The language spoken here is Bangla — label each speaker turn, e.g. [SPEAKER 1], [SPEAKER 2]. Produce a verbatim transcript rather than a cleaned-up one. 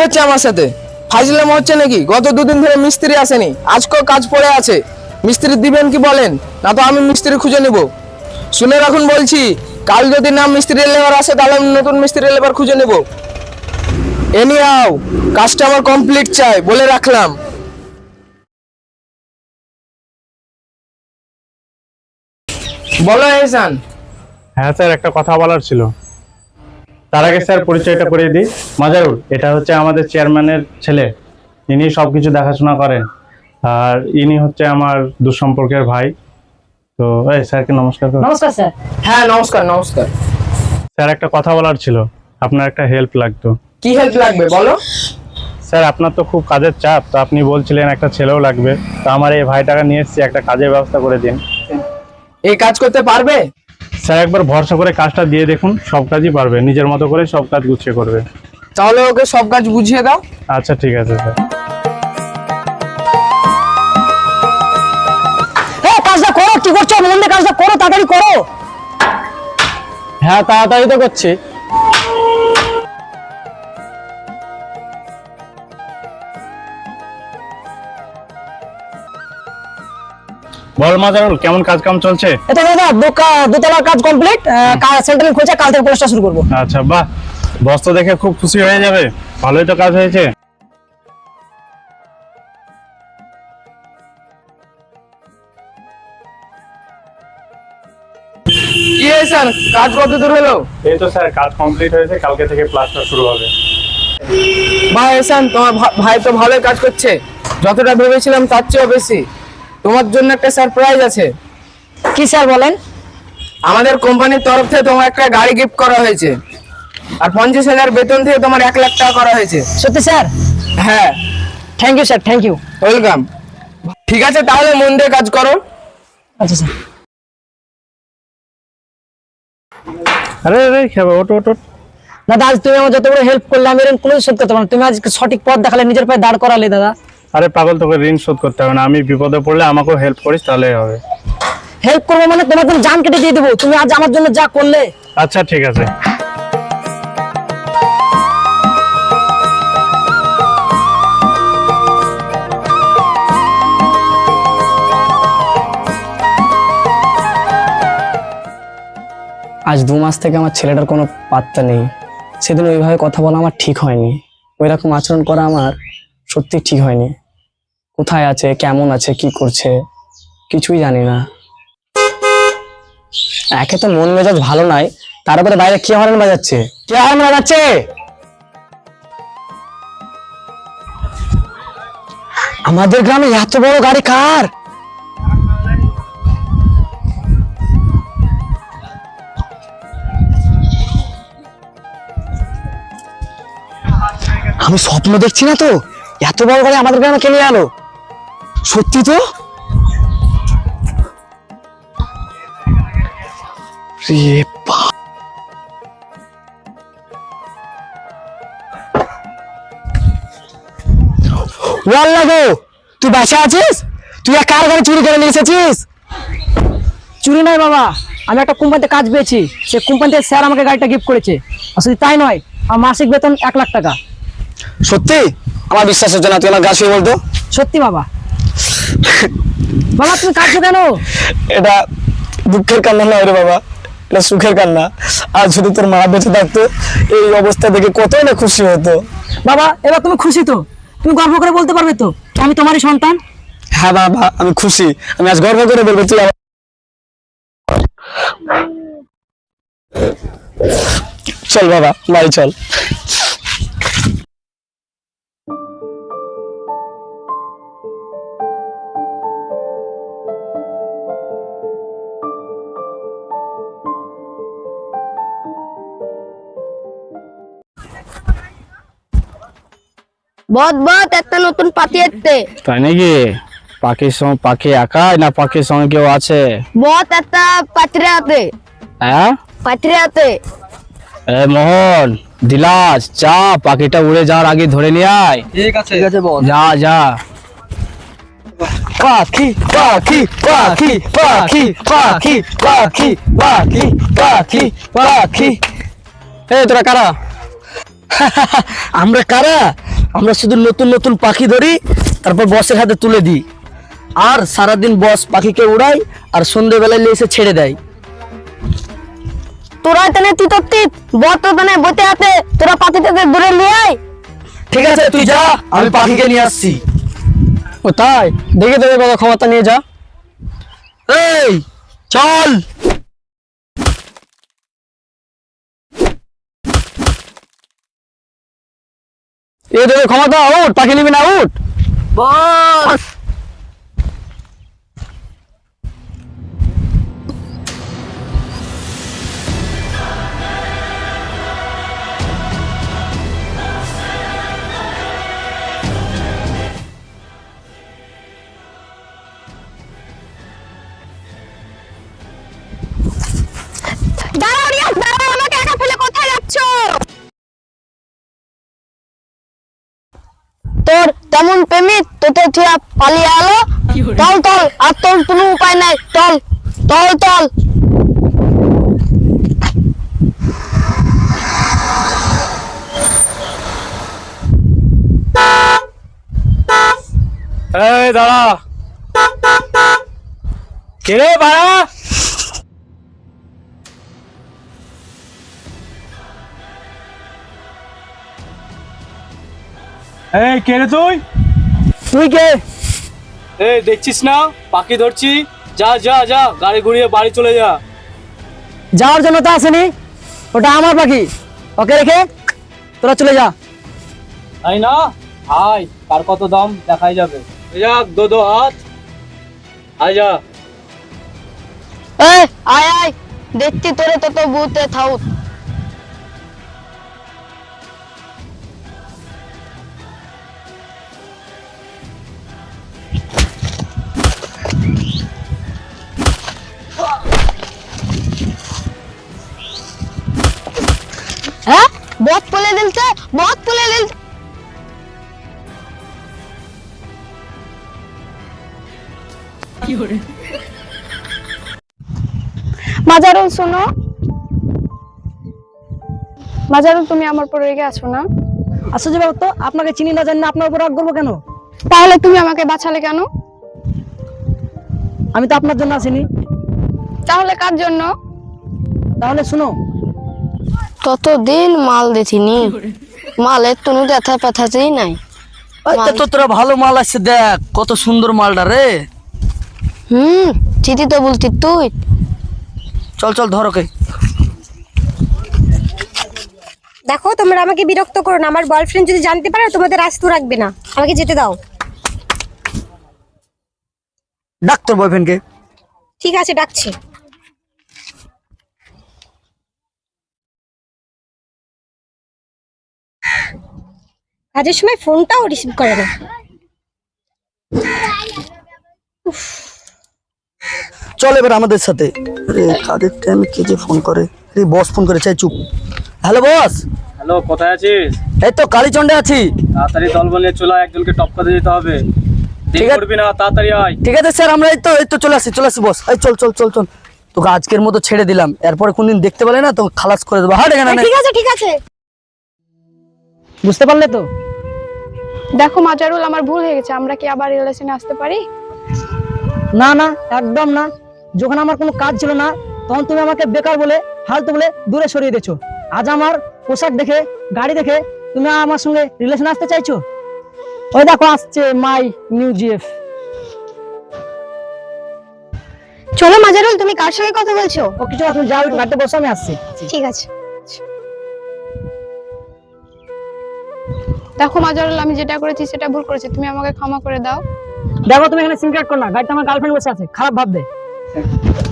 [SPEAKER 1] হচ্ছে আমার সাথে? ফাইজলামো হচ্ছে নাকি? গত দুদিন ধরে মিস্ত্রি আসেনি, আজকেও কাজ পড়ে আছে। মিস্ত্রি দিবেন কি বলেন, না তো আমি মিস্ত্রি খুঁজে নেব। শুনে রাখুন বলছি, কাল যদি না মিস্ত্রি লেবার আসে তাহলে আমি নতুন মিস্ত্রি লেবার খুঁজে নেব। এনি আও, কাজটা আমার কমপ্লিট চাই, বলে রাখলাম। বলো এহসান।
[SPEAKER 2] হ্যাঁ স্যার, একটা কথা বলার ছিল। তার আগে স্যার পরিচয়টা করে দিই। মাজারুল, এটা হচ্ছে আমাদের চেয়ারম্যানের ছেলে, ইনি সবকিছু দেখাশোনা করেন। আর ইনি হচ্ছে আমার দুঃসম্পর্কের ভাই। তো এই স্যারকে নমস্কার করুন।
[SPEAKER 3] নমস্কার স্যার।
[SPEAKER 1] হ্যাঁ নমস্কার নমস্কার।
[SPEAKER 2] স্যার একটা কথা বলার ছিল, আপনার একটা হেল্প লাগতো।
[SPEAKER 1] কি হেল্প লাগবে বলো?
[SPEAKER 2] স্যার আপনার তো খুব কাজের চাপ, তো আপনি বলছিলেন একটা ছেলেও লাগবে, তো আমার এই ভাইটাকে নিয়ে এসেছি, একটা কাজের ব্যবস্থা করে দিন।
[SPEAKER 1] এই কাজ করতে পারবে?
[SPEAKER 2] স্যার একবার ভরসা করে কাজটা দিয়ে দেখুন, সব কাজই পারবে, নিজের মতো করে সব কাজ গুছিয়ে করবে।
[SPEAKER 1] তাহলে ওকে সব কাজ বুঝিয়ে দাও।
[SPEAKER 2] আচ্ছা ঠিক আছে স্যার।
[SPEAKER 3] হ্যাঁ, কাজটা করো। কি করছো? মন দিয়ে কাজটা করো, তাড়াতাড়ি করো।
[SPEAKER 1] হ্যাঁ তাড়াতাড়ি তো করছি।
[SPEAKER 2] বল মাজারুল, কেমন কাজ কাম চলছে?
[SPEAKER 3] এটা দাদা দোতলার কাজ কমপ্লিট, সেন্টারিং খুঁজে কাল থেকে প্রচেষ্টা শুরু করবো।
[SPEAKER 2] আচ্ছা বাহ, বস তো দেখে খুব খুশি হয়ে যাবে, ভালোই তো কাজ হয়েছে।
[SPEAKER 1] কি এহসান, কাজ কত দূর হলো?
[SPEAKER 2] এই তো স্যার কাজ কমপ্লিট হয়েছে, কালকে থেকে প্লাস্টার শুরু হবে।
[SPEAKER 1] ভাই এহসান, তোমার ভা- ভাই তো ভালোই কাজ করছে, যতটা ভেবেছিলাম তার চেয়েও বেশি। তোমার জন্য একটা সারপ্রাইজ আছে।
[SPEAKER 3] কি স্যার বলেন?
[SPEAKER 1] আমাদের কোম্পানির তরফ থেকে তোমার একটা গাড়ি গিফট করা হয়েছে, আর পঞ্চাশ হাজার বেতন থেকে তোমার এক লাখ টাকা করা হয়েছে।
[SPEAKER 3] সত্যি স্যার?
[SPEAKER 1] হ্যাঁ।
[SPEAKER 3] Thank you sir, thank you.
[SPEAKER 1] Welcome. ঠিক আছে তাহলে মন দিয়ে কাজ করো।
[SPEAKER 3] আচ্ছা স্যার।
[SPEAKER 2] আরে আরে খেবে, ওটো ওটো।
[SPEAKER 3] দাদা আজ তুমি আমার যত বড় হেল্প করলে আমি এরকম কোনো শোধ করতে পারবো না। তুমি আজ সঠিক পথ দেখালে, নিজের পায়ে দাঁড় করালে দাদা।
[SPEAKER 2] আরে পাগল, তোকে ঋণ শোধ করতে হবে না, আমি বিপদে পড়লে আমাকেও হেল্প করিস তাহলেই হবে।
[SPEAKER 3] হেল্প করবো মানে তোমার জন্য জান কেটে দিয়ে দেবো। তুমি আজ আমার জন্য যা করলে।
[SPEAKER 2] আচ্ছা ঠিক আছে।
[SPEAKER 4] আজ দু মাস থেকে আমার ছেলেটার কোনো পাত্তা নেই। সেদিন ওইভাবে কথা বলা আমার ঠিক হয়নি, ওই রকম আচরণ করা আমার সত্যি ঠিক হয়নি। কোথায় আছে, কেমন আছে, কি করছে কিছুই জানি না। একে তো মন মেজাজ ভালো নাই, তার উপরে বাইরে কে হরেন বাজাচ্ছে, কে হরেন বাজাচ্ছে? আমাদের গ্রামে এত বড় গাড়ি কার? আমি স্বপ্ন দেখছি না তো? এত বড় গাড়ি আমাদের গ্রামে কে নিয়ে এলো? সত্যি তো? রে বা- ওয়াল্লাহ গো, তুই বাসা আছিস? তুই আর কার গাড়ি চুরি করে নিয়ে এসেছিস?
[SPEAKER 3] চুরি নয় বাবা, আমি একটা কোম্পানিতে কাজ পেয়েছি, সে কোম্পানিতে স্যার আমাকে গাড়িটা গিফট করেছে। আর শুধু তাই নয়, আমার মাসিক বেতন এক লাখ টাকা।
[SPEAKER 4] সত্যি? আমার বিশ্বাস হচ্ছে না, তুই আমার গা ছুঁয়ে বলতো।
[SPEAKER 3] সত্যি বাবা। বাবা তুমি কাঁদছো কেন?
[SPEAKER 4] এটা দুঃখের কান্না নয় রে বাবা, এটা সুখের কান্না। আর যদি তোর মা বেঁচে থাকতো, এই অবস্থা দেখে কতই না খুশি হতো।
[SPEAKER 3] বাবা এবার তুমি খুশি তো? তুমি গর্ব করে বলতে পারবে তো আমি তোমারই সন্তান?
[SPEAKER 4] হ্যাঁ বাবা, আমি খুশি। আমি আজ গর্ব করে বলবো তুই আমার- চল বাবা, বাড়ি চল।
[SPEAKER 5] বদ বদ একটা নতুন পাতি এসছে।
[SPEAKER 4] তাই নাকি? পাখির সঙ্গে পাখি একাই না পাখির সঙ্গে কেউ আছে?
[SPEAKER 5] বদ একটা পাত্রে হাতে
[SPEAKER 4] হ্যাঁ
[SPEAKER 5] পাত্রে হাতে
[SPEAKER 4] এ মোহন, দিলাস, চা পাখিটা উড়ে যাওয়ার আগে ধরে নিয়ে আয়।
[SPEAKER 1] ঠিক আছে ঠিক আছে বস।
[SPEAKER 4] যা যা। পাখি পাখি পাখি পাখি পাখি পাখি পাখি পাখি পাখি। এ তোরা কারা? আমরা কারা?
[SPEAKER 6] আমরা শুধু নতুন নতুন পাখি ধরি, তারপর বসের হাতে তুলে দিই, আর সারাদিন বস পাখিকে উড়াই আর সন্ধ্যেবেলায় নিয়ে এসে ছেড়ে দেয়।
[SPEAKER 5] তোরা তেনে তুই তো তিত বত তেনে বতে হাতে তোরা পাতিটাতে দূরে নিয়ে আয়।
[SPEAKER 6] ঠিক আছে তুই যা, আমি পাখিকে নিয়ে আসছি।
[SPEAKER 4] ও তাই, দেখে দেবে বাবা, ক্ষমতা নিয়ে যা।
[SPEAKER 6] এই চল।
[SPEAKER 4] এ দেবে ক্ষমতা, উঠ, পাখি নিবি না, উঠ।
[SPEAKER 6] বস
[SPEAKER 5] দাঁড়াও রিয়াজ, দাঁড়াও, আমাকে একা ফেলে কোথায় যাচ্ছ? তোর তেমন প্রেমিক তোতে থিয়া পালিয়ে আলো। তল তল, আর তোর কোনো উপায় নাই, তল তল তল।
[SPEAKER 2] এই দাঁড়া, কে রে বাড়া? এই কে রে তুই?
[SPEAKER 3] তুই কে?
[SPEAKER 7] এই দেখছিস না পাখি ধরছি, যা যা যা গাড়ি ঘুরিয়ে বাড়ি চলে যা।
[SPEAKER 3] যাওয়ার জন্য তো আসেনি, ওটা আমার পাখি, ওকে রেখে তোরা চলে যা।
[SPEAKER 7] তাই না, আয় কার কত দাম দেখাই যাবে। যা দো দো হাত, আয় যা।
[SPEAKER 5] এ আয় আয়, দেখছি তোরে তত বুতে থাউত। হ্যাঁ, বহুত পুলে দিলছে, বহুত পুলে দিলছে।
[SPEAKER 8] মাজারুল শোনো, মাজারুল তুমি আমার উপর রেগে আছো না?
[SPEAKER 3] আশ্চর্য ব্যাপার তো, আপনাকে চিনি না জানি না আপনার উপর রাগ করবো কেন?
[SPEAKER 8] তাহলে তুমি আমাকে বাঁচালে কেন?
[SPEAKER 3] আমি তো আপনার জন্য আসিনি।
[SPEAKER 8] তাহলে কার জন্য?
[SPEAKER 3] তাহলে শুনো,
[SPEAKER 5] ততদিন মাল দেখিনি, মালের কোনো ব্যথা পেথাতেই নাই।
[SPEAKER 6] ওই তো তোরা ভালো মাল আসছে, দেখ কত সুন্দর মালটা রে।
[SPEAKER 5] হুম, চিঠি তো বলতি তুই।
[SPEAKER 6] চল চল ধর ওকে।
[SPEAKER 9] দেখো, তোমরা আমাকে বিরক্ত করো না, আমার বয়ফ্রেন্ড যদি জানতে পারে তোমাদের আস্ত রাখবে না, আমাকে যেতে দাও।
[SPEAKER 6] ডাক তোর বয়ফ্রেন্ডকে।
[SPEAKER 9] ঠিক আছে, ডাকছি। কাজের সময় ফোনটাও রিসিভ করে না।
[SPEAKER 6] চল এবার আমাদের সাথে। আরে কাদের টাইমে কে যে ফোন করে? আরে বস ফোন করে, চাই চুপ। Hello boss.
[SPEAKER 7] হ্যালো, কোথায় আছিস?
[SPEAKER 6] এই তো কালীচন্ডে আছি।
[SPEAKER 7] তাড়াতাড়ি দল বলিয়ে চলে আয়, একজনকে টপকাতে যেতে হবে। দেরি
[SPEAKER 6] ঠিক আছে।
[SPEAKER 7] করবি না, তাড়াতাড়ি আয়।
[SPEAKER 6] ঠিক আছে স্যার, আমরা এই তো এই তো চলে আসি চলে আসি বস। এই চল চল চল চল, তোকে আজকের মতো ছেড়ে দিলাম, এরপরে কোনদিন দেখতে পেলে না তো খালাস করে দেবো। হাট এখানে।
[SPEAKER 9] ঠিক আছে ঠিক আছে।
[SPEAKER 3] বুঝতে পারলে তো?
[SPEAKER 8] দেখো মাজারুল, আমার ভুল হয়ে গেছে, আমরা কি আবার রিলেশনে আসতে পারি?
[SPEAKER 3] না না, একদম না। যখন আমার কোনো কাজ ছিল না, তখন তুমি আমাকে বেকার বলে, ফালতু বলে দূরে সরিয়ে দিয়েছো। আজ আমার পোশাক দেখে, গাড়ি দেখে তুমি আমার সঙ্গে রিলেশন আসতে চাইছো? ওই দেখো আসছে মাই নিউ জিএফ।
[SPEAKER 9] চলো মাজারুল, তুমি কার সঙ্গে কথা বলছো?
[SPEAKER 3] ও কিছু না, তুমি যাও, একটু গাড়িতে বসো, আমি আসছি।
[SPEAKER 9] ঠিক আছে।
[SPEAKER 8] দেখো মাজারুল, আমি যেটা করেছি সেটা ভুল করেছি, তুমি আমাকে ক্ষমা করে দাও।
[SPEAKER 3] দেখো, তুমি এখানে সিম কার্ড করো না, গাড়িতে আমার গার্লফ্রেন্ড বসে আছে, খারাপ ভাববে।